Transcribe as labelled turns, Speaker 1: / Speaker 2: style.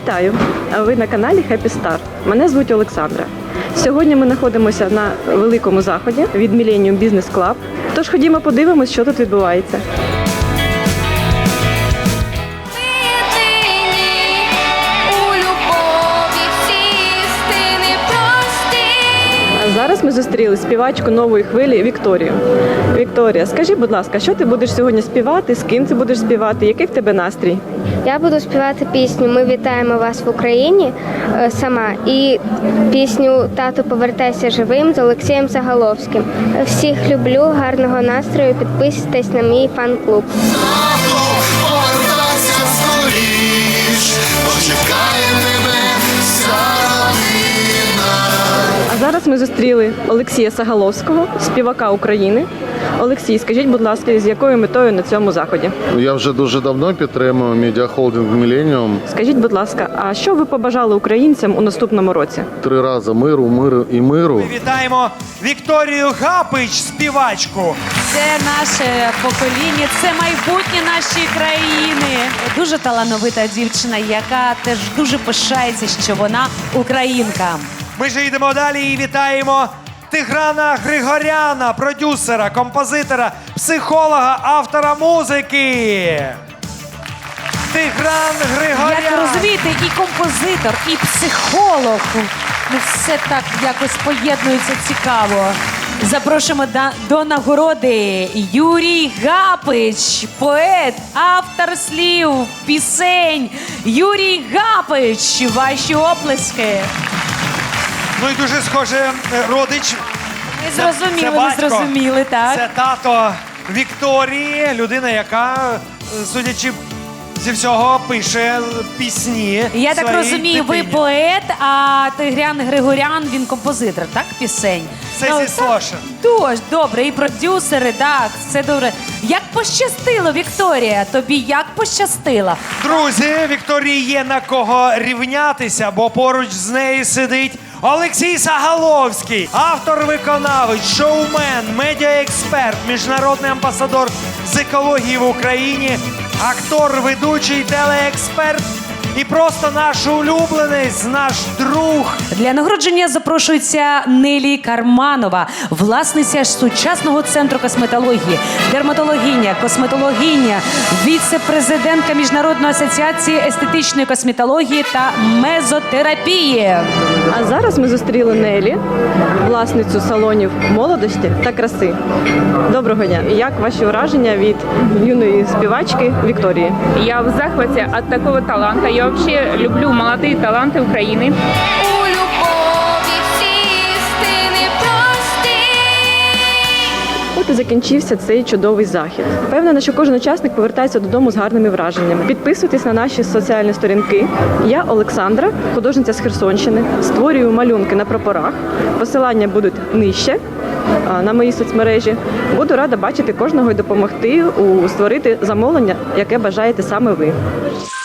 Speaker 1: Вітаю! Ви на каналі Happy Star. Мене звуть Олександра. Сьогодні ми знаходимося на великому заході від Millennium Business Club. Тож ходімо подивимось, що тут відбувається. Зараз ми зустріли співачку нової хвилі Вікторію. Вікторія, скажи, будь ласка, що ти будеш сьогодні співати, з ким ти будеш співати, який в тебе настрій?
Speaker 2: Я буду співати пісню «Ми вітаємо вас в Україні» сама і пісню «Тату, повертайся живим» з Олексієм Заголовським. Всіх люблю, гарного настрою, підписуйтесь на мій фан-клуб.
Speaker 3: Тату, повертайся скоріш, почекає тебе вся родина.
Speaker 1: А зараз ми зустріли Олексія Заголовського, співака України. Олексій, скажіть, будь ласка, з якою метою на цьому заході?
Speaker 4: Я вже дуже давно підтримую медіахолдинг Millennium.
Speaker 1: Скажіть, будь ласка, а що ви побажали українцям у наступному році?
Speaker 4: 3 рази миру, миру і миру.
Speaker 5: Ми вітаємо Вікторію Гапич, співачку.
Speaker 6: Це наше покоління, це майбутнє нашої країни. Дуже талановита дівчина, яка теж дуже пишається, що вона українка.
Speaker 5: Ми ж йдемо далі і вітаємо Тиграна Григоряна, продюсера, композитора, психолога, автора музики. Тигран Григорян.
Speaker 6: Як розумієте, і композитор, і психолог. Ну, все так якось поєднується цікаво. Запрошуємо до нагороди Юрій Гапич, поет, автор слів, пісень. Юрій Гапич, ваші оплески.
Speaker 5: Ну і дуже схоже родич.
Speaker 6: Ми зрозуміли, так.
Speaker 5: Це тато Вікторії, людина, яка, судячи зі всього, пише пісні.
Speaker 6: Я так
Speaker 5: своїй
Speaker 6: розумію, ви
Speaker 5: дитині.
Speaker 6: поет, а Тигран Григорян, він композитор, так, пісень?
Speaker 5: Це зі Слоша.
Speaker 6: Дуже добре, і продюсери, так, все добре. Як пощастило, Вікторія, тобі як пощастило?
Speaker 5: Друзі, Вікторії є на кого рівнятися, бо поруч з нею сидить Олексій Заголовський, автор-виконавець, шоумен, медіаексперт, міжнародний амбасадор з екології в Україні, актор, ведучий, телеексперт і просто наш улюбленець, наш друг.
Speaker 6: Для нагородження запрошується Нелі Карманова, власниця сучасного центру косметології, дерматологиня, косметологиня, віце-президентка Міжнародної асоціації естетичної косметології та мезотерапії.
Speaker 1: А зараз ми зустріли Нелі, власницю салонів молодості та краси. Доброго дня! Як ваші враження від юної співачки Вікторії?
Speaker 7: Я в захвате от такого таланта. Я вообще люблю молодые таланты Украины.
Speaker 2: У любові всі істини прості.
Speaker 1: От і закінчився цей чудовий захід. Впевнена, що кожен учасник повертається додому з гарними враженнями. Підписуйтесь на наші соціальні сторінки. Я Олександра, художниця з Херсонщини. Створюю малюнки на прапорах. Посилання будуть нижче на моїй соцмережі. Буду рада бачити кожного і допомогти створити замовлення, яке бажаєте саме ви.